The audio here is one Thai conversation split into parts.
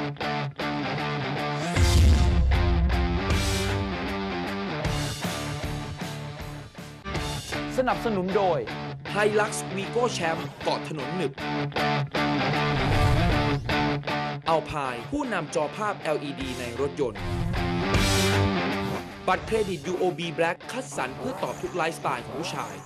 สนับสนุนโดย Hilux Vigo Champ เกาะถนนหนึบอัลพายผู้นำจอภาพ LED ในรถยนต์บัตรเครดิต UOB Black คัดสรรเพื่อตอบทุกไลฟ์สไตล์ของผู้ชาย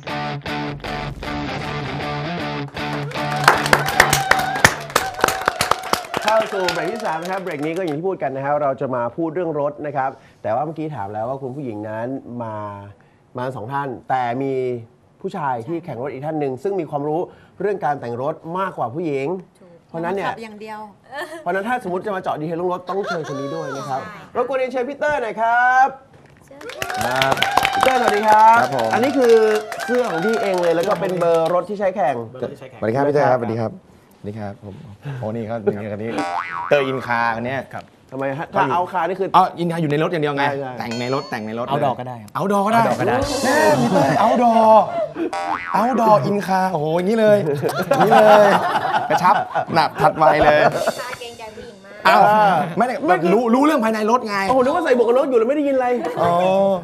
เข้าสู่เบรกที่3นะครับเบรกนี้ก็อย่างที่พูดกันนะครับเราจะมาพูดเรื่องรถนะครับแต่ว่าเมื่อกี้ถามแล้วว่าคุณผู้หญิงนั้นมา2 ท่านแต่มีผู้ชายที่แข่งรถอีกท่านหนึ่งซึ่งมีความรู้เรื่องการแต่งรถมากกว่าผู้หญิงเพราะนั้นเนี่ยอย่างเดียวเพราะนั้นถ้าสมมติจะมาเจาะดีเทลเรื่องรถต้องเชิญคนนี้ด้วยนะครับรบกวนเรียนเชิญพี่เตอร์หน่อยครับพี่เตอร์สวัสดีครับอันนี้คือเสื้อของพี่เองเลยแล้วก็เป็นเบอร์รถที่ใช้แข่งสวัสดีครับพี่เตอร์ครับสวัสดีครับนี่ครับผมโอ้นี่เขาคันนี้เตอร์อินคาคันนี้ครับทำไมฮะถ้าเอาคานี่คืออินคาอยู่ในรถอย่างเดียวไงแต่งในรถเอาดอกก็ได้เอาดอกก็ได้แน่พี่เตอร์เอาดอกอินคาโอ้โหอย่างนี้เลยนี่เลยกระชับหนับถัดไวเลยเกรงใจผู้หญิงมากอ้าวไม่ได้รู้เรื่องภายในรถไงโอ้โหนึกว่าใส่หมวกกันน็อกอยู่แล้วไม่ได้ยินอะไรอ๋อ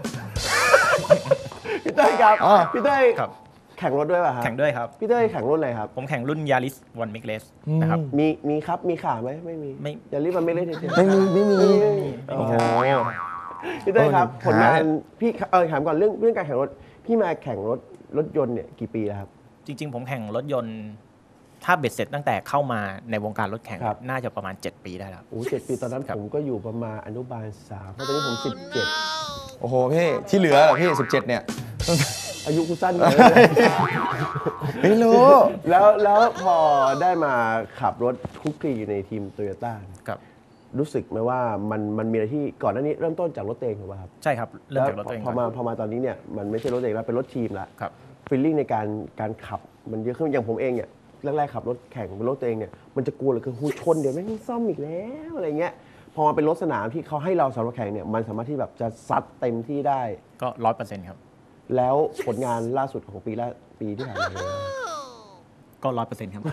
พี่เต้ยครับพี่เต้ยแข่งรถด้วยป่ะครับแข่งด้วยครับพี่เต้ยแข่งรุ่นอะไรครับผมแข่งรุ่น Yaris One Make Race นะครับมีครับมีขาไหมไม่มี Yaris One Make Race ไม่มีโอ้โหพี่เต้ยครับผลงานพี่ถามก่อนเรื่องการแข่งรถพี่มาแข่งรถยนต์เนี่ยกี่ปีแล้วครับจริงๆผมแข่งรถยนต์ถ้าเบ็ดเสร็จตั้งแต่เข้ามาในวงการรถแข่งน่าจะประมาณ7 ปีได้แล้วโอ้7 ปีตอนนั้นผมก็อยู่ประมาณอนุบาล3เพราะตอนนี้ผม17 โอ้โหพี่ที่เหลือเหรอพี่17เนี่ยอายุกูสั้นเลยไม่รู้แล้วพอได้มาขับรถคุกคีอยู่ในทีมโตโยต้ารู้สึกไหมว่ามันมีอะไรที่ก่อนหน้านี้เริ่มต้นจากรถเองถูกป่ะครับใช่ครับเริ่มจากรถเองพอมาตอนนี้เนี่ยมันไม่ใช่รถเองแล้วเป็นรถทีมละฟีลลิ่งในการขับมันเยอะขึ้นอย่างผมเองเนี่ยแรกๆขับรถแข่งเป็นรถตัวเองเนี่ยมันจะกลัวเลยคือหูชนเดี๋ยวแม่งซ่อมอีกแล้วอะไรเงี้ยพอมาเป็นรถสนามที่เขาให้เราสำหรับแข่งเนี่ยมันสามารถที่แบบจะซัดเต็มที่ได้ก็ 100% ครับแล้วผลงานล่าสุดของปีที่ผ่านมาก็ 100% ครับ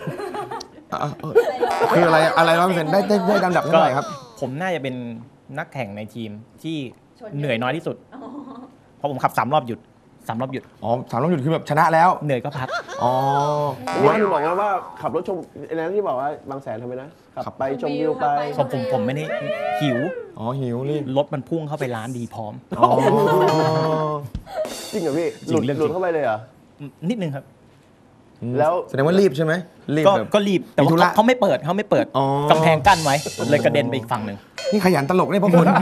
คืออะไร100%ได้ลำดับเท่าไหร่ครับผมน่าจะเป็นนักแข่งในทีมที่เหนื่อยน้อยที่สุดเพราะผมขับ3 รอบหยุดอ๋อ3 รอบหยุดคือแบบชนะแล้วเหนื่อยก็พักอ๋อนี่คุณบอกว่าขับรถชมอะไรที่บอกว่าบางแสนทำไมนะขับไปชมวิวไปผมไม่ได้หิวหิวนี่รถมันพุ่งเข้าไปร้านดีพร้อมจริงเหรอพี่หลุดเข้าไปเลยเหรอนิดนึงครับแล้วแสดงว่ารีบใช่ไหมก็รีบแต่ว่าเขาไม่เปิดกำแพงกั้นไว้เลยกระเด็นไปอีกฝั่งหนึ่งนี่ขยันตลกได้พวกคุณ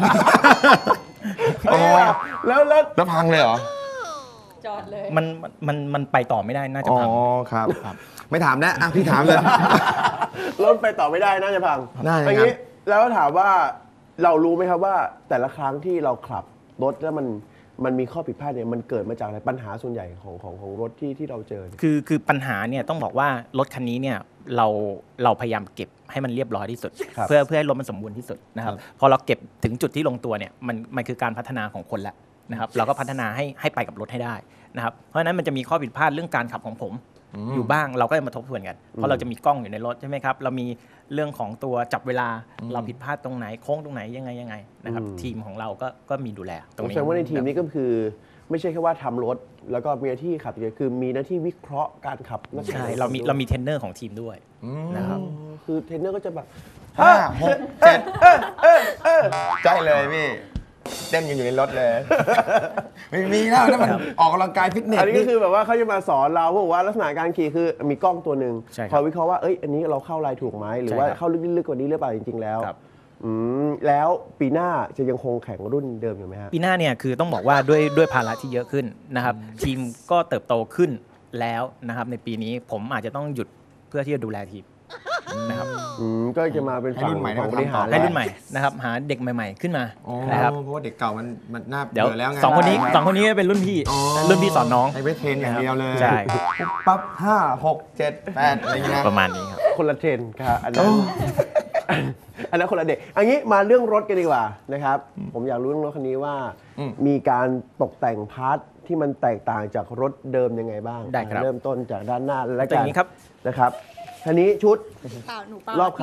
แล้วพังเลยเหรอจอดเลยมันไปต่อไม่ได้น่าจะพังครับไม่ถามนะพี่ถามเลยรถไปต่อไม่ได้น่าจะพังอย่างนี้แล้วถามว่าเรารู้ไหมครับว่าแต่ละครั้งที่เราขับรถแล้วมันมีข้อผิดพลาดเนี่ยมันเกิดมาจากอะไรปัญหาส่วนใหญ่ของรถที่เราเจอคือปัญหาเนี่ยต้องบอกว่ารถคันนี้เนี่ยเราพยายามเก็บให้มันเรียบร้อยที่สุดเพื่อให้รถมันสมบูรณ์ที่สุดนะครับพอเราเก็บถึงจุดที่ลงตัวเนี่ยมันคือการพัฒนาของคนละนะครับเราก็พัฒนาให้ไปกับรถให้ได้นะครับเพราะฉะนั้นมันจะมีข้อผิดพลาดเรื่องการขับของผมอยู่บ้างเราก็จะมาทบทวนกันเพราะเราจะมีกล้องอยู่ในรถใช่ไหมครับเรามีเรื่องของตัวจับเวลาเราผิดพลาดตรงไหนโค้งตรงไหนยังไงนะครับทีมของเราก็มีดูแลตรงนี้แสดงว่าในทีมนี้ก็คือไม่ใช่แค่ว่าทำรถแล้วก็มีหน้าที่ขับคือมีหน้าที่วิเคราะห์การขับใช่เรามีเทรนเนอร์ของทีมด้วยนะครับคือเทรนเนอร์ก็จะแบบ 5 6 7ใช่เลยพี่เต้นกันอยู่ในรถเลยไม่มีแล้วนั่นมันออกกำลังกายฟิตเนสอันนี้ก็คือแบบว่าเขาจะมาสอนเราเพราะว่าลักษณะการขี่คือมีกล้องตัวหนึ่งคอยวิเคราะห์ว่าอันนี้เราเข้าลายถูกไหมหรือว่าเข้าลึกๆกว่านี้หรือเปล่าจริงๆแล้วแล้วปีหน้าจะยังคงแข่งรุ่นเดิมอยู่ไหมฮะปีหน้าเนี่ยคือต้องบอกว่าด้วยภาระที่เยอะขึ้นนะครับทีมก็เติบโตขึ้นแล้วนะครับในปีนี้ผมอาจจะต้องหยุดเพื่อที่จะดูแลทีมนะครับก็จะมาเป็นฝั่งของบริหารให้รุ่นใหม่นะครับหาเด็กใหม่ๆขึ้นมานะครับเพราะว่าเด็กเก่ามันน่าเบื่อแล้วไง2 คนนี้เป็นรุ่นพี่สอนน้องให้ไปเทรนอย่างเดียวเลยใช่ปั๊บ5 6 7 8อะไรเงี้ยประมาณนี้ครับคนละเทรนครับอันนั้นคนละเด็กอันนี้มาเรื่องรถกันดีกว่านะครับผมอยากรู้เรื่องรถคันนี้ว่ามีการตกแต่งพาร์ทที่มันแตกต่างจากรถเดิมยังไงบ้างเริ่มต้นจากด้านหน้าและกันนะครับคันนี้ชุดรอบคัน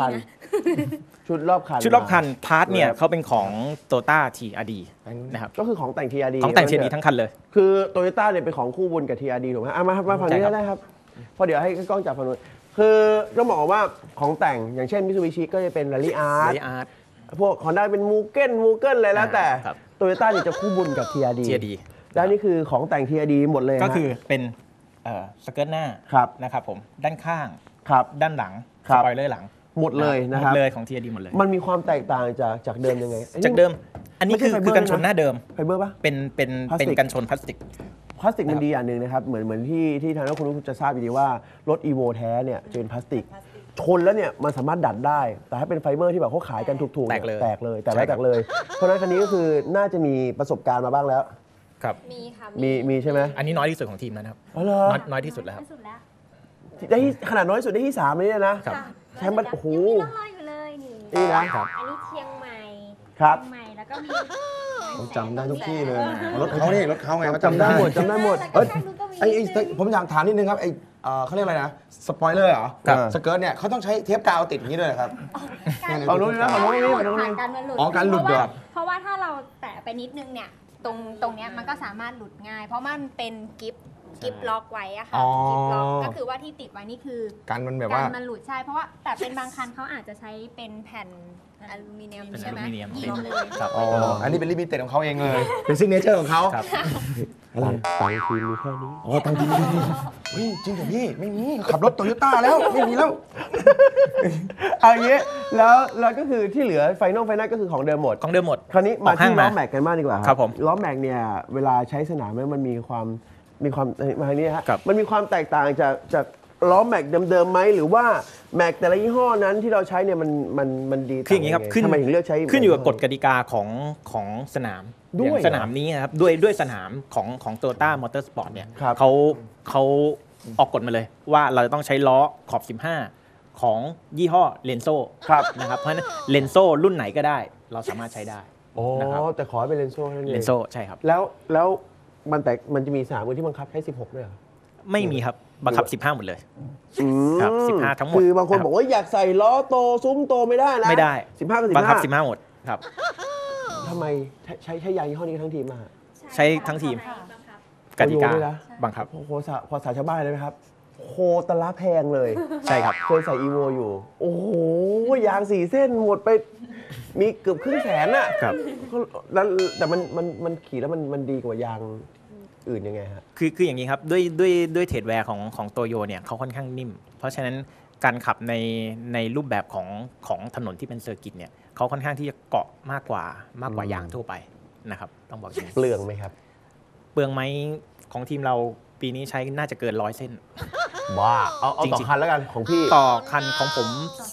ชุดรอบคันชุดรอบคันพาร์ทเนี่ยครับเขาเป็นของ Toyota TRD นะครับก็คือของแต่ง TRD ของแต่ง TRD ทั้งคันเลยคือโตโยต้าเนี่ยเป็นของคู่บุญกับ TRD ถูกไหมมาฝั่งนี้ใช่ครับได้ครับเพราะเดี๋ยวให้กล้องจับฝั่งนู้นคือต้องบอกว่าของแต่งอย่างเช่น Mitsubishi ก็จะเป็น Rally Art อาร์ตพวก Honda เป็น Mugen อะไรแล้วแต่ครับโตโยต้าเนี่ยจะคู่บุญกับ TRD TRD และนี่คือของแต่ง TRD หมดเลยก็คือเป็นสเกิร์ตหน้าครับนะครับผมด้านข้างครับด้านหลังครัสบปอยเลอร์หลังหมดเลยนะหคมรับดเลยของ TRD หมดเลยมันมีความแตกต่างจากเดิมยังไงอันนี้จากเดิม อันนี้ไม่ใช่คือไฟเบอร์คือกันชนหน้าเดิมไฟเบอร์ปะเป็นพลาสติกกันชนพลาสติกพลาสติกมันดีอย่างหนึ่งนะครับ เหมือนที่ทางนักคุณจะทราบดีว่ารถ EVO แท้เนี่ยจะเป็นพลาสติก ชนแล้วเนี่ยมันสามารถดัดได้ แต่ถ้าเป็นไฟเบอร์ที่แบบเขาขายกันถูกๆนี่แตกเลยแตกเลย แต่ใช่ไม่ครับแตกเลย เพราะฉะนั้นคันนี้ก็คือน่าจะมีประสบการณ์มาบ้างแล้วครับมีค่ะมีใช่ไหมอันนี้น้อยที่สุดของทีมแล้วนะครับอ๋อเหรอน้อยที่สุดแล้วครับที่สุดแล้วได้ที่ขนาดน้อยสุดได้ที่3เลยเนี่ยนะครับ แชมป์มันโอ้โหยังมีร่องรอยอยู่เลยนี่นี่นะอันนี้เชียงใหม่ครับเชียงใหม่แล้วก็มีผมจำได้ทุกที่เลยรถเขานี่รถเขาไงเขาจำได้หมดจำได้หมดเอ้ยผมอยากถามนิดนึงครับเขาเรียกอะไรนะสปอยเลอร์เหรอครับสเกิร์ตเนี่ยเขาต้องใช้เทปกาวติดอย่างนี้ด้วยเหรอครับเอานู้นนะเอานู้นนี่เอานู้นนี่การมันหลุดอ๋อการหลุดเหรอเพราะว่าถ้าเราแตะไปนิดนึงเนี่ยตรงเนี้ยมันก็สามารถหลุดง่าย เพราะมันเป็นกิฟล็อกไว้อะค่ะอ๋อกิฟล็อกก็คือว่าที่ติดไว้นี่คือการมันแบบกาว่ารมันหลุดใช่ เพราะว่าแต่เป็นบางคันเขาอาจจะใช้เป็นแผ่นอลูมิเนียมเป็นใช่ไหมอลูมิเนียมล็อกเลยครับอ๋ออันนี้เป็นลิมิเต็ดของเขาเองเลย เป็นซิกเนเจอร์ของเขาครับอะไรตังค์ทีมมีแค่นี้อ๋อตังค์ดีเฮ้ยจริงเหรอพี่ไม่มีขับรถโตโยต้าแล้วไม่มีแล้วเอาอย่างนี้แล้วก็คือที่เหลือไฟนอลก็คือของเดิมหมดของเดิมหมดคราวนี้มาออกห้าที่งล้อมาแม็กกันบ้างดีกว่าครับผมล้อแม็กเนี่ยเวลาใช้สนามเนี่ยมันมีความมาทางนี้ฮะครับมันมีความแตกต่างจากล้อแม็กเดิมๆไหมหรือว่าแม็กแต่ละยี่ห้อนั้นที่เราใช้เนี่ยมันดีคืออย่างนี้ครับทำไมถึงเลือกใช้ขึ้นอยู่กับกฎกติกาของสนามด้วยอย่างสนามนี้นะครับด้วยสนามของ Toyota Motorsport เนี่ยครับเขาออกกฎมาเลย ว่าเราจะต้องใช้ล้อขอบ 15 ของยี่ห้อเลนโซครับนะครับเพราะฉะนั้นเลนโซรุ่นไหนก็ได้ เราสามารถใช้ได้อ๋อนะครับแต่ขอให้เป็นเลนโซ่นั่นเองเลนโซใช่ครับแล้วมันจะมีสนามอื่นที่บังคับให้16ด้วยเหรอไม่มีครับบังคับ 15 หมดเลย ครับ15ทั้งหมดคือบางคนนะครับบอกว่าอยากใส่ล้อโตซุ้มโตไม่ได้นะไม่ได้ 15กับบังคับ 15 15 หมดครับทำไมใช้ยางยี่ห้อนี้ทั้งทีมมาใช้ทั้งทีม กติกาโอ้โหด้วยนะบังคับโอ้โหภาษาชาวบ้านเลยไหมครับ โคตรละแพงเลยใช่ครับเคยใส่อีโวอยู่ โอ้โห ยาง 4 เส้นหมดไป มีเกือบครึ่งแสนน่ะครับแล้วแต่มันขี่แล้วมันดีกว่ายางอื่นยังไงฮะคืออย่างนี้ครับด้วยเทรดแวร์ของโตโยเนี่ยเขาค่อนข้างนิ่ม เพราะฉะนั้นการขับในรูปแบบของถนนที่เป็นเซอร์กิตเนี่ยเขาค่อนข้างที่จะเกาะมากกว่ายางทั่วไปนะครับต้องบอกอย่างนี้เปลืองไหมครับเปลืองไหมของทีมเราปีนี้ใช้น่าจะเกิน100 เส้นว้าเอาจริงๆต่อคันแล้วกันของพี่ต่อคันของผม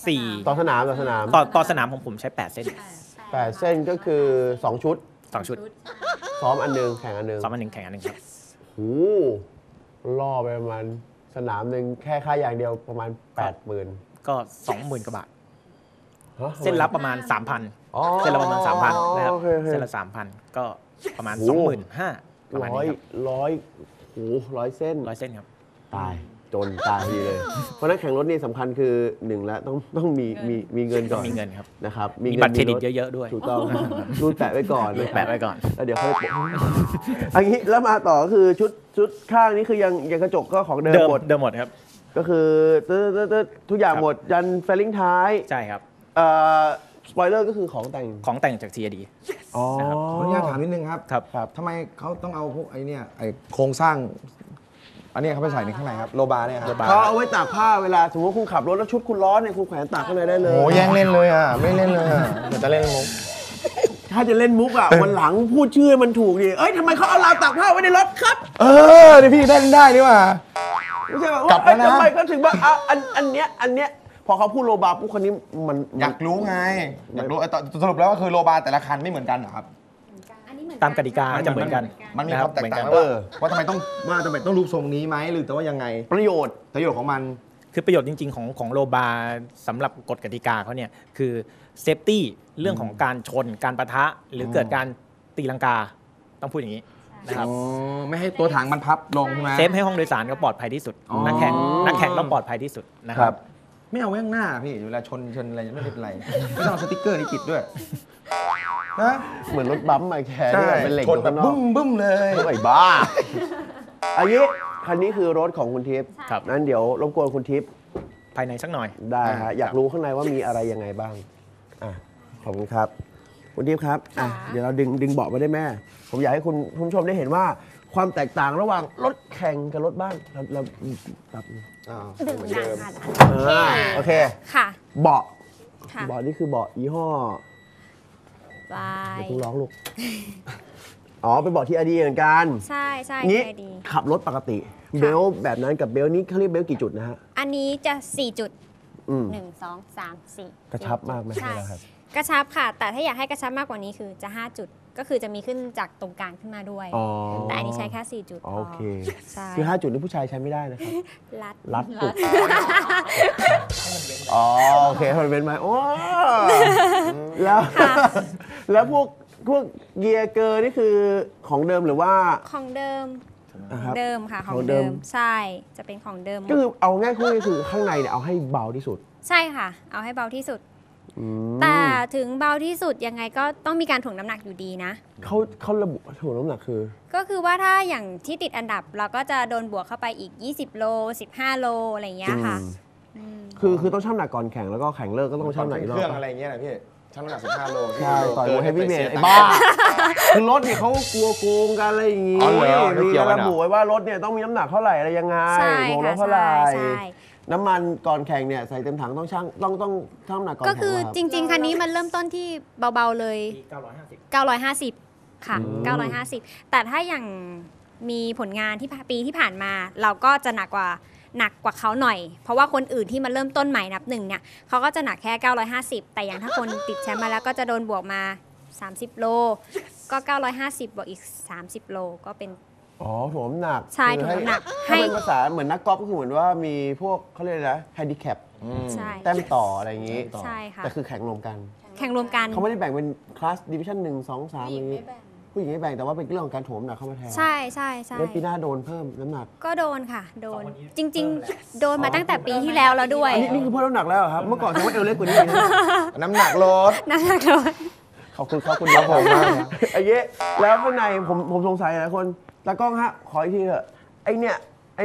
4 ต่อสนามต่อสนามของผมใช้ 8 เส้น 8 เส้นก็คือ 2 ชุด 2 ชุดซ้อมอันหนึงแข่งอันหนึงซ้อมอันหนึ่งแข่งอันหนึ่งครับโอ้โหล่อไปประมาณสนามหนึ่งแค่ค่ายางเดียวประมาณ 80,000 ก็ 20,000 กว่าบาทฮะเส้นละประมาณ 3,000 อ๋อเส้นละประมาณ 3,000 นะครับโอเคโอเคเส้นละ 3,000 ก็ประมาณโอ้โห 25,000 ประมาณนี้ครับร้อยเส้น 100 เส้นครับตายจนตายทีเลย เพราะฉะนั้นแข่งรถนี่สำคัญคือ1แล้วต้องมีเงินก่อนมีเงินครับนะครับมีงินบัตรเครดิตถเยอะๆด้วยถูกต้องรูดแปะไว้ก่อนรูดแปะไว้ก่อนแล้วเดี๋ยวค่อยโปะอันนี้แล้วมาต่อก็คือชุดข้างนี้คือยังกระจกก็ของเดิมหมดเดิมหมดครับก็คือทุกอย่างครับหมดยันเฟลลิ่งท้ายใช่ครับสปอยเลอร์ก็คือของแต่งของแต่งจาก TRD อ๋อนะครับขออนุญาตถามนิดนึงครับครับทำไมเขาต้องเอาพวกไอ้เนี่ยไอ้โครงสร้าง อันเนี้ยเขาไปใส่ในข้างในครับโลบาร์เนี่ยครับโลบาร์เขาเอาไว้ตากผ้าเวลาสมมติว่าคุณขับรถแล้วชุดคุณร้อนเนี่ยคุณแขวนตากข้างในได้เลยโอ้แย่งเล่นเลยอ่ะไม่เล่นเลยอ่ะเดี๋ยวจะเล่นมุกถ้าจะเล่นมุกอ่ะ วันหลังพูดชื่อให้มันถูกดิเอ้ยทำไมเขาเอาราวตากผ้าไว้ในรถครับเดี๋ยวพี่เล่นได้นี่ว่าไม่ใช่แบบกลัว่าบแล้วนะทำไมก็ถึงว่าอันเนี้ยพอเขาพูดโลบาปุ๊บคนนี้มันอยากรู้ไงอยากรู้ไอ้สรุปแล้วก็คือโลบาร์แต่ละคันไม่เหมือนกันเหรอครับอันนี้เหมือนตามกติกาจะเหมือนกันมันมีความแตกต่างนะครับว่าทำไมต้องรูปทรงนี้ไหมหรือแต่ว่ายังไงประโยชน์ประโยชน์ของมันคือประโยชน์จริงๆของโลบาร์สำหรับกฎกติกาเขาเนี่ยคือเซฟตี้เรื่องของการชนการประทะหรือเกิดการตีลังกาต้องพูดอย่างนี้นะครับไม่ให้ตัวถังมันพับลงใช่ไหมเซฟให้ห้องโดยสารก็ปลอดภัยที่สุดอ๋อนักแข่งต้องปลอดภัยที่สุดนะคครัรับบไม่เอาไว้ข้างหน้าพี่เวลาชนอะไรไม่เป็นไรไม่ต้องเอาสติ๊กเกอร์นี้ติดด้วยนะเหมือนรถบัมป์มาแคร์ที่แบบเป็นเหล็กชอน ยู่แบข้าบงนอกบึ้มเลยไอ้บ้าอันนี้คันนี้คือรถของคุณทิพย์ครับนั้นเดี๋ยวรบกวนคุณทิพย์ภายในสักหน่อยได้ฮะอยากรู้ข้างในว่ามีอะไรยังไงบ้างอ่ะขอบคุณครับคุณทิพย์ครับอ่ะเดี๋ยวเราดึงเบาะมาได้แม่ ผมอยากให้คุณผู้ชมได้เห็นว่าความแตกต่างระหว่างรถแข่งกับรถบ้านเราปรับดึงหนังค่ะโอเคค่ะเบาะค่ะเบาะนี่คือเบาะยี่ห้อบายเดี๋ยวคุณร้องลูกอ๋อเป็นเบาะที่อดีเหมือนกันใช่งี้ใช่ดีขับรถปกติ เบลต์แบบนั้นกับเบลต์นี้เขาเรียกเบลต์กี่จุดนะฮะอันนี้จะ 4 จุดอืม 1 2 3 4 กระชับมากไหมใช่ครับกระชับค่ะ แต่ถ้าอยากให้กระชับมากกว่านี้คือจะ 5 จุด ก็คือจะมีขึ้นจากตรงกลางขึ้นมาด้วยอ๋อแต่อันนี้ใช้แค่ 4 จุดพโอเคใช่คือ 5 จุดนี่ผู้ชายใช้ไม่ได้นะครับรัดรัดจุด อ๋อโอเคให้มันเป็นไหมโอ้แล้วแล้วพวกเกียร์เกอร์นี่คือของเดิมหรือว่าของเดิมนะครับเดิมค่ะ ขขออง งเดิเดิมม ใช่ จะเป็นของเดิมหมดก็คือเอาง่ายๆก็คือข้างในเนี่ยเอาให้เบาที่สุดใช่ค่ะ เอาให้เบาที่สุดอืมแต่ถึงเบาที่สุดยังไงก็ต้องมีการถ่วงน้ำหนักอยู่ดีนะเขาระบุถ่วงน้ำหนักคือก็คือว่าถ้าอย่างที่ติดอันดับเราก็จะโดนบวกเข้าไปอีก 20 โล 15 โล อะไรอย่างเงี้ยค่ะอืมคือต้องชั่งน้ำหนักก่อนแข่งแล้วก็แข่งเลิกก็ต้องชั่งน้ำหนักอีกรเครื่องอบอะไรเงี้ยนะพี่ชั่งน้ำหนัก15 โลใช่ต่อยมวยเฮฟวี่เมทกินไอ้บ้าคือรถเนี่ยเขากลัวโกงกันอะไรอย่างงี้อ๋อเหรอไม่มีเกี่ยวกันระเหรอบุไว้ว่ารถเนี่ยต้องมีน้ำหนักเท่าไหร่อะไรยังไงใช่โลค่ะเท่าไหร่ใช่น้ำมันก่อนแข่งเนี่ยใส่เต็มถังต้องชั่งต้องชั่งน้ำหนักก่อนก็แข่งคือเหรอครับจริง ๆ คันนี้มันเริ่มต้นที่เบา ๆ เลย 950 ค่ะ 950 แต่ถ้าอย่างมีผลงานที่ปีที่ผ่านมา เราก็จะหนักกว่าเขาหน่อย เพราะว่าคนอื่นที่มาเริ่มต้นใหม่นับหนึ่งเนี่ยเขาก็จะหนักแค่ 950 แต่อย่างถ้าคนติดแชมป์มาแล้วก็จะโดนบวกมา 30 โล ก็ 950 บวกอีก 30 โลก็เป็นอ๋อถ่วงน้ำหนักใช่คือถ่วงน้ำหนักถ้าเป็นภาษาเหมือนนักกอล์ฟก็คือเหมือนว่ามีพวกเขาเรียกอะไรนะแฮนดิแคปใช่แต้มต่ออะไรอย่างงี้ใช่ค่ะแต่คือแข่งรวมกันแข่งรวมกันเขาไม่ได้แบ่งเป็นคลาสดิวิชั่น1 2 3อย่างนี้ผู้หญิงไม่แบ่งแต่ว่าเป็นเรื่องของการถ่วงน้ำหนักเข้ามาแทนใช่ใช่ใช่แล้วปีหน้าโดนเพิ่มน้ำหนักก็โดนค่ะ โดน จริง ๆ โดนมาตั้งแต่ปีที่แล้วแล้วด้วยอันนี้คือเพิ่มน้ำหนักแล้วเหรอครับ เมื่อก่อนฉันว่าเอวเล็กกว่านี้นะน้ำหนักลดนั่นแหละโดนขอบคุณครับคุณครับผมมากไอ้เย้แล้วข้างในผมสงสัยหลายคนตากล้องฮะขออีกทีเถอะไอ้เนี่ย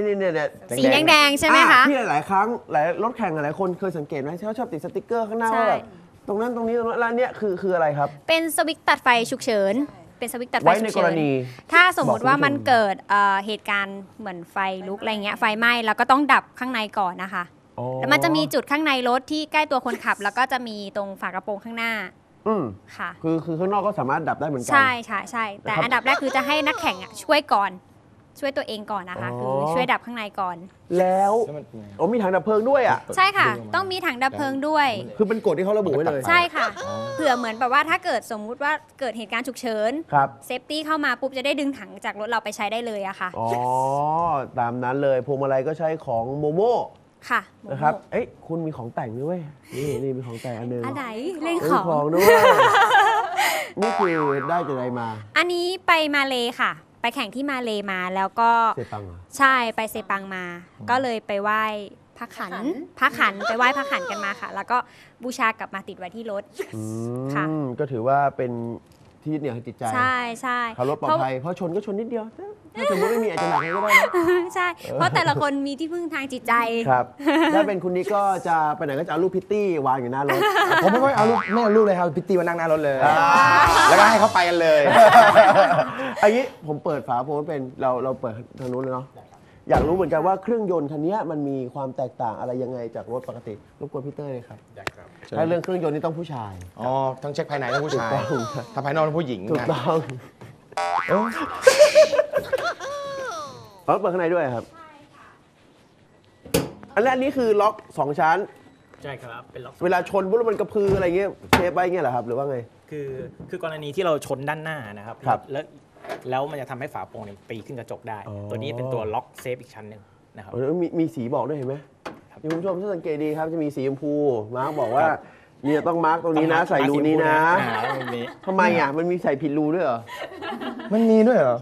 สีแดงๆใช่ไหมคะที่หลายๆครั้งหลายรถแข่งหลายคนเคยสังเกตไหมที่เขาชอบติดสติกเกอร์ข้างหน้าใช่ว่าแบบตรงนั้นตรงนี้แล้วอันเนี้ยคืออะไรครับเป็นสวิตช์ตัดไฟฉุกเฉิน เป็นสวิตช์ตัดไฟไว้ฉุในกกเฉิรนณีถ้าสมมุติว่ามันบอกคุณผู้ชมเกิดเหตุการณ์เหมือนไฟลุกอะไรเงี้ย ไฟไหม้เราก็ต้องดับข้างในก่อนนะคะอ๋อแล้วมันจะมีจุดข้างในรถที่ใกล้ตัวคนขับ แล้วก็จะมีตรงฝากระโปรงข้างหน้าอืมค่ะคือข้างนอกก็สามารถดับได้เหมือนกัใช่ใช่ใช่แต่นะครับอันดับแรกคือจะให้นักแข่งอะช่วยก่อน ช่วยตัวเองก่อนนะคะอ๋อคือช่วยดับข้างในก่อนแล้วโอ้มีถังดับเพลิงด้วยอ่ะใช่ค่ะ ต้องมีถังดับเพลิงด้วยคือเป็นกฎที่เขาระบุไว้เลยใช่ค่ะ เผื่อเหมือนแบบว่าถ้าเกิดสมมุติว่าเกิดเหตุการณ์ฉุกเฉินครับเซฟตี้เข้ามาปุ๊บจะได้ดึงถังจากรถเราไปใช้ได้เลยอะค่ะอ๋อ ตามนั้นเลยพวงมาลัยก็ใช้ของโมโมค่ะนะครับ เอ้ยคุณมีของแต่งด้วยนี่มีของแต่งอันหนึงอันไหนเล่นเอ้ยของของด้วย นี่คือได้จากไหนมาอันนี้ไปมาเลค่ะ ไปแข่งที่มาเลมาแล้วก็เซปังเหรอใช่ไปเซปังมา ก็เลยไปไหว้พระขันไปไหว้พระขันกันมาค่ะ แล้วก็บูชากลับมาติดไว้ที่รถ ค่ะก็ถือว่าเป็นที่ยึดเหนี่ยวทางจิตใจใช่ใช่ขับรถปลอดภัยเพราะชนก็ชนนิดเดียว ถ้าสมมติไม่มีอาจจะหนักก็ได้นะใช่ เพราะแต่ละคนมีที่พึ่งทางจิตใจครับ ถ้าเป็นคุณนิกก็จะไปไหนก็จะเอารูปพิตตี้วางอยู่หน้ารถผมไม่ค่อยเอาลูกไม่เอาลูกเลยครับพิตตี้มานั่งหน้ารถเลย แล้วก็ให้เขาไปกันเลยอันนี้ผมเปิดฝาผมเป็นเราเปิดทางนู้นเลยเนาะอยากรู้เหมือนกันว่าเครื่องยนต์คันนี้มันมีความแตกต่างอะไรยังไงจากรถปกติรบกวนพี่เต้ยเลยครับถ้าเรื่องเครื่องยนต์นี่ต้องผู้ชายอ๋อทั้งเช็คภายในทั้งผู้ชายถูกต้องครับถ้าภายนอกเป็นผู้หญิงถูกนะต้องเปิดข้างในด้วยครับอันนี้คือล็อก 2 ชั้นใช่ครับ เป็นล็อกเวลาชนปุ๊บแล้วมันกระพืออะไรเงี้ยเทปไปเงี้ยเหรอครับหรือว่าไงคือกรณีที่เราชนด้านหน้านะครับครับแล้วมันจะทำให้ฝาโปร่งเนี่ยตีขึ้นกระจกได้อ๋อตัวนี้เป็นตัวล็อกเซฟอีกชั้นหนึ่งนะครับมีสีบอกด้วยเห็นไหมครับคุณผู้ชมถ้าสังเกตดีครับจะมีสีชมพูมาร์กบอกว่าเนี่ยต้องมาร์กตรงนี้นะ ใส่รูนี้นะแล้วมันมีทำไมอ่ะมันมีใส่ผิดรูด้วยเหรอมันมีด้วยเหรอช่างว่า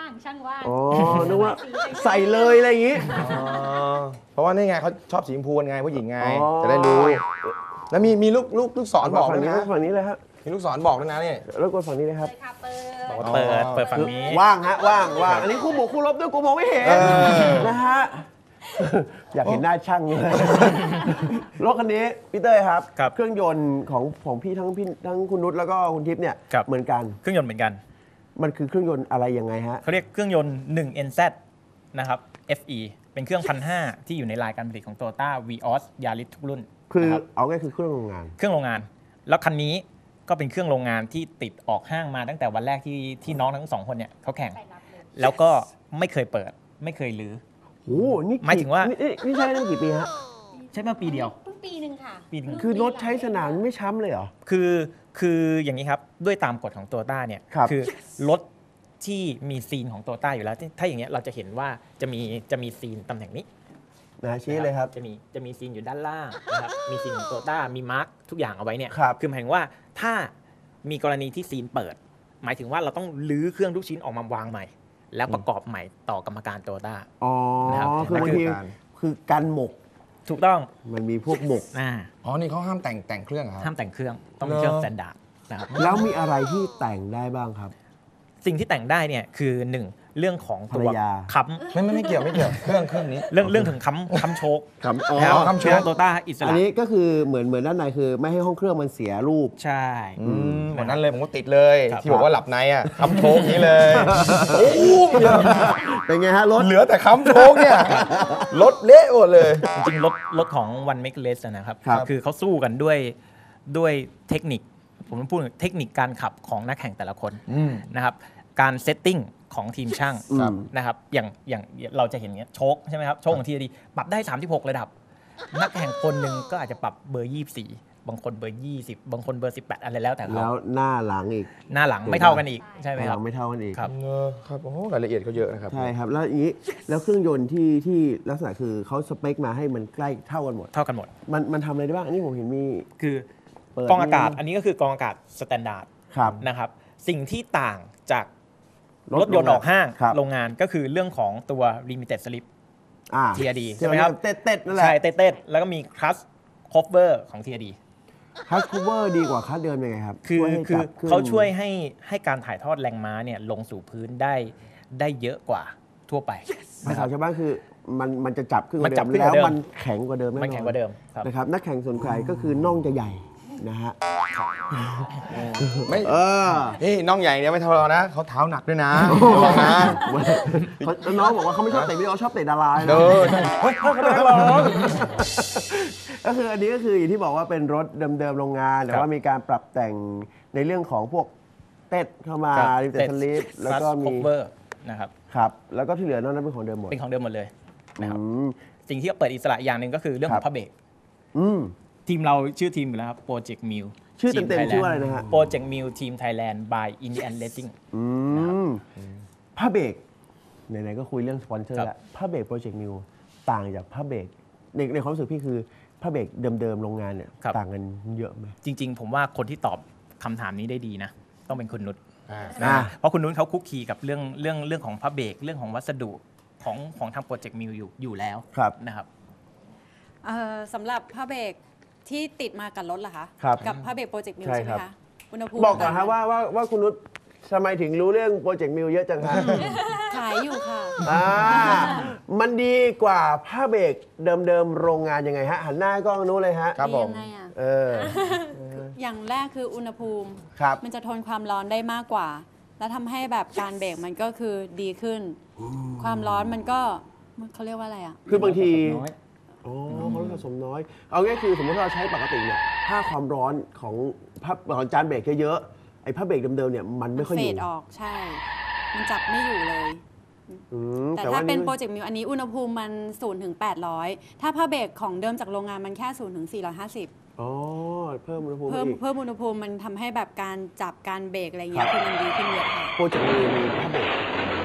ช่างว่างอ๋อนึกว่าใส่เลยอะไรอย่างงี้เพราะว่านี่ไงเขาชอบสีชมพูไงผู้หญิงไงอ๋อจะได้รู้ แล้วมีลูกศรบอกด้วยนะฝั่งนี้เลยครับมีลูกศรบอกด้วยนะนี่แล้วกดฝั่งนี้เลยครับเลยค่ะเปิบอกดว่าเปิดฝั่งนี้ว่างฮะว่างอันนี้คู่บวกคู่ลบด้วยกูมองไม่เห็นนะฮะ อยากเห็นหน้าช่างเลย รถคันนี้พี่เต้ยครับครับเครื่องยนต์ของพี่ทั้งคุณนุชแล้วก็คุณทิพย์เนี่ยครับเหมือนกันเครื่องยนต์เหมือนกันมันคือเครื่องยนต์อะไรยังไงฮะเขาเรียกเครื่องยนต์ 1NZ นะครับ FE เป็นเครื่อง 1,500 ที่อยู่ในรายการผลิตของ Toyota Vios Yaris ทุกรุ่นคือนะครับเอาง่ายคือเครื่องโรงงานเครื่องโรงงาน แล้วคันนี้ก็เป็นเครื่องโรงงานที่ติดออกห้างมาตั้งแต่วันแรกที่น้องทั้งสองคนเนี่ยเขาแข่ง แล้วก็ไม่เคยเปิดไม่เคยรื้อโอ้โหนี่หมายถึงว่านี่ใช้ได้กี่ปีฮะใช้มาปีเดียวเพิ่งปีหนึ่งค่ะปีหนึ่งคือรถใช้สนามไม่ช้ำเลยเหรอคืออย่างนี้ครับด้วยตามกฎของ Toyota เนี่ยครับอรถที่มีซีนของ Toyota อยู่แล้วถ้าอย่างเงี้ยเราจะเห็นว่าจะมีซีนตำแหน่งนี้นะชี้เลยครับจะมีซีนอยู่ด้านล่างนะครับ มีซีนของโตต้ามีมาร์กทุกอย่างเอาไว้เนี่ยครับคือหมายถึงว่าถ้ามีกรณีที่ซีนเปิด หมายถึงว่าเราต้องลื้อเครื่องทุกชิ้นออกมาวางใหม่ แล้วประกอบใหม่ต่อกรรมการโตต้าอ๋อนะครับคือบางทีคือการหมกถูกต้องมันมีพวกหมกอ๋อ นี่เขาห้ามแต่งเครื่องเหรอครับห้ามแต่งเครื่องต้องเป็นเครื่องเหรอสแตนดาร์ดนะครับแล้วมีอะไรที่แต่งได้บ้างครับสิ่งที่แต่งได้เนี่ยคือหนึ่งเรื่องของตัวภรรยาค้ไม่เกี่ยวเครื่องนี้ำเรื่องถึงค้ำโชกครับอ๋อแล้วค้ำโชคเครื่องโตต้าอิสอันระนี้ก็คือเหมือนด้านในคือไม่ให้ห้องเครื่องมันเสียรูปใช่เหมือนนั้นเลยผมก็ติดเลยครับที่บอกว่าหลับในอ่ะค้ำโชกนี้เลย โอ้เป็นไงฮะรถเหลือแต่ค้ำโชกเนี่ยรถเละหมดเลยจริงๆรถของ One Make Less นะครับครับคือเขาสู้กันด้วยเทคนิค ผมต้องพูดถึงเทคนิคการขับของนักแข่งแต่ละคนนะครับ การเซตติ้งของทีมช่างครับนะครับ อย่างเราจะเห็นเงี้ยโชคใช่ไหมครับ โชคของทีดีปรับได้ 36 ระดับ นักแข่งคนหนึ่งก็อาจจะปรับเบอร์ 24 บางคนเบอร์ 20 บางคนเบอร์ 18 อะไรแล้วแต่เขาแล้วหน้าหลังอีกหน้าหลังไม่เท่ากันอีกใช่ไหมครับไม่เท่ากันอีกครับครับโอ้รายละเอียดเขาเยอะนะครับใช่ครับ แล้วอย่างนี้แล้วเครื่องยนต์ที่ลักษณะคือเขาสเปคมาให้มันใกล้เท่ากันหมดเท่ากันหมดมันทำอะไรได้บ้าง อันนี้ผมเห็นมีคือเปิดกองอากาศอันนี้ก็คือกองอากาศสแตนดาร์ดครับนะครับสิ่งที่ต่างจากรถรถยนต์ออกห้างครับโรงงานก็คือเรื่องของตัว limited slip อ่า TRD ใช่ใช่ไหไหมมคครัรับบ เต็ดๆนั่นแหละใช่เต้นๆแล้วก็มี clutch cover ของ TRD คัสคูเวอร์ดีกว่าคัสเดิมยังไงครับคือช่วยให้จับเครื่องเขาช่วยให้การถ่ายทอดแรงม้าเนี่ยลงสู่พื้นได้เยอะกว่าทั่วไปภาษาชาวบ้านคือมันจะจับขึ้นกมันว่าจับเดิมขึ้นกแล้วว่าเดิมมันแข็งกว่าเดิมแน่นอนมันแข็งกว่าเดิมครับนะครับนักแข่งส่วนใครก็คือน่องจะใหญ่นะฮะไม่เออนี่น้องใหญ่เนี่ยไม่เท่าเรานะเขาเท้าหนักด้วยนะระวังนะน้องบอกว่าเขาไม่ชอบเตะวิดีโอชอบเตะดาราเอนะอใช่เฮ้ยเขาเป็นนักร้องก็คืออันนี้ก็คืออย่างที่บอกว่าเป็นรถเดิมๆโรงงาน แต่ครับว่ามีการปรับแต่งในเรื่องของพวกเต็ดเข้ามาครับริมเต็ดสลิปแล้วก็ clutch มี cover นะครับครับแล้วก็ที่เหลือนอกนั้นเป็นของเดิมหมดเป็นของเดิมหมดเลยนะครับอืมสิ่งที่เปิดอิสระอย่างหนึ่งก็คือเรื่องขครัอบ งผ้าเบรกอืมทีมเราชื่อทีมอยู่แล้วครับ Project Mill ชื่อเต็มๆชื่อว่าอะไรนะฮะ Project Mill Team Thailand by Indian Racing อืมผ้าเบรกไหนๆก็คุยเรื่องสปอนเซอร์ครับแล้วผ้าเบรกโปรเจกต์มิวต่างจากผ้าเบรกในความรู้สึกพี่คือผ้าเบรกเดิมๆโรงงานเนี่ยต่างกันเยอะไหมจริง ๆ ผมว่าคนที่ตอบคำถามนี้ได้ดีนะ ต้องเป็นคุณนุชอ่านะเพราะคุณนุชเขาคุกคีกับเรื่องของผ้าเบรกเรื่องของวัสดุของทางโปรเจกต์มิลอยู่แล้วครับนะครับสำหรับผ้าเบรกที่ติดมากับรถเหรอคะครับกับผ้าเบรกโปรเจกต์มิวใช่ใช่ไหมครับคะอุณหภูมิบอกก่อนฮะต่งว่าคุณนุชทำไมถึงรู้เรื่องโปรเจกต์มิวเยอะจังฮะขายอยู่ค่ะมันดีกว่าผ้าเบรกเดิมๆโรงงานยังไงฮะหันหน้ากล้องนู้นเลยฮะครับผมดียังไงอะเอออย่างแรกคืออุณหภูมิครับมันจะทนความร้อนได้มากกว่า แล้วทำให้แบบการเบรกมันก็คือดีขึ้น ความร้อนมันก็เขาเรียกว่าอะไรอ่ะคือบางทีอ๋อเขาสะสมน้อย เอาง่ายคือสมมติเราใช้ปกติเนี่ยถ้าความร้อนของของจานเบรกเยอะๆไอ้ผ้าเบรกเดิมๆเนี่ยมันไม่ค่อยอเฟยู่ดออกใช่ มันจับไม่อยู่เลยอืมแต่ว่ถ้าเป็นโปรเจกต์มิวอันนี้อุณหภูมิมัน0ถึง800ถ้าผ้าเบรกของเดิมจากโรงงานมันแค่0ถึง450 อ๋อเพิ่มอุณหภูมิเพิ่มอีกเพิ่มอุณหภูมิมันทำให้แบบการจับการเบรกอะไรเงี้ยคือมันดีขึ้นเยอะค่ะโปรเจกต์มีผ้าเบรก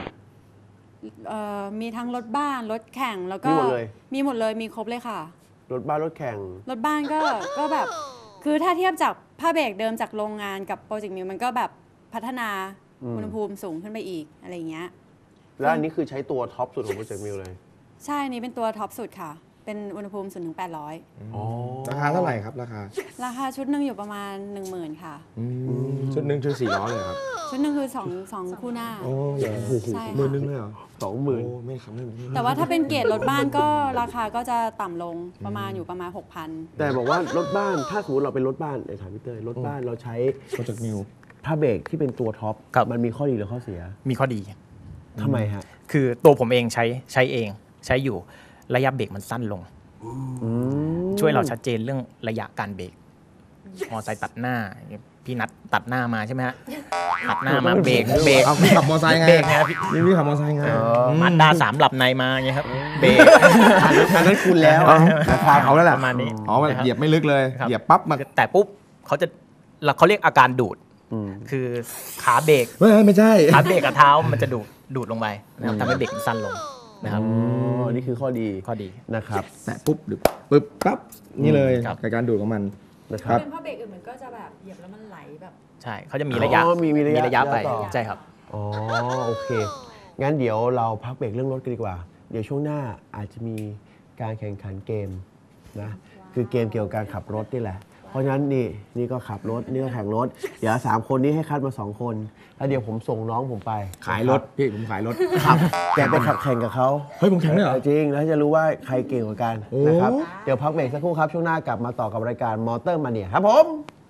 มีทั้งรถบ้านรถแข่งแล้วก็มีหมดเลยมีหมดเลยมีครบเลยค่ะรถบ้านรถแข่งรถบ้านก็แบบคือถ้าเทียบจากผ้าเบรกเดิมจากโรงงานกับโปรเจกต์มิวมันก็แบบพัฒนาอุณหภูมิสูงขึ้นไปอีกอะไรเงี้ยแล้วอันนี้คือใช้ตัวท็อปสุดของโปรเจกต์มิลเลยใช่อันนี้เป็นตัวท็อปสุดค่ะ เป็นอุณหภูมิ0 ถึง 800 อ๋อราคาเท่าไหร่ครับราคาราคาชุดหนึ่งอยู่ประมาณ 10,000 ค่ะชุดหนึ่งชุด4 ล้อเลยครับชุดหนึ่งคือ2คู่หน้าโอ้เหรอใช่หมื่นค่ะนึงเลยเหรอ 20,000 โอ้ไม่ครับไม่แต่ว่าถ้าเป็นเกรดรถบ้านก็ราคาก็จะต่ำลงประมาณอยู่ประมาณ 6,000 แต่บอกว่ารถบ้านถ้าสมมติเราเป็นรถบ้านในถามพี่เต้ยรถบ้านเราใช้โปรเจกต์มิวผ้าเบรกที่เป็นตัวท็อปครับมันมีข้อดีหรือข้อเสียมีข้อดีทำไมฮะคือตัวผมเองใช้เองใช้อยู่ระยะเบรกมันสั้นลง ช่วยเราชัดเจนเรื่องระยะการเบรกมอไซค์ตัดหน้าพี่นัดตัดหน้ามาใช่ไหมฮะตัดหน้ามาเบรกเอาพี่ขับมอไซค์ไงเบรกนะครับพี่นี่พี่ขับมอไซค์ไงมาด้า3หลับในมาอย่างเงี้ยครับเบรกอันนั้นคุณแล้วราคาเขาแล้วแหละประมาณนี้อ๋อมันนะครับเหยียบไม่ลึกเลยครับเหยียบปั๊บมาแต่ปุ๊บเขาเรียกอาการดูด คือขาเบรกไม่ใช่ขาเบรกกับเท้ามันจะดูดลงไปนะครับทำให้เบรกมันสั้นลงนะครับอ๋อ นี่คือข้อดีข้อดีนะครับแตะปุ๊บหรือปึ๊บปั๊บนี่เลยครับกับการดูดของมันนะครับเป็นผ้าเบรกอื่นมันก็จะแบบเหยียบแล้วมันไหลแบบใช่เขาจะมีระยะอ๋อมีระยะไปต่อใช่ครับอ๋อ โอเค งั้นเดี๋ยวเราพักเบรกเรื่องรถกันดีกว่า เดี๋ยวช่วงหน้าอาจจะมีการแข่งขันเกมนะ คือเกมเกี่ยวกับการขับรถนี่แหละ เพราะฉะนั้นนี่ก็ขับรถ นี่ก็แข่งรถ เดี๋ยว3คนนี้ให้คัดมา2 คน แล้วเดี๋ยวผมส่งน้องผมไปขายรถพี่ผมขายรถขับแกไปขับแข่งกับเขาเฮ้ยผมแข่งด้วยเหรอจริง แล้วจะรู้ว่าใครเก่งกว่ากันโอ้นะครับ เดี๋ยวพักเบรกสักครู่ครับ ช่วงหน้ากลับมาต่อกับรายการมอเตอร์มาเนียครับผม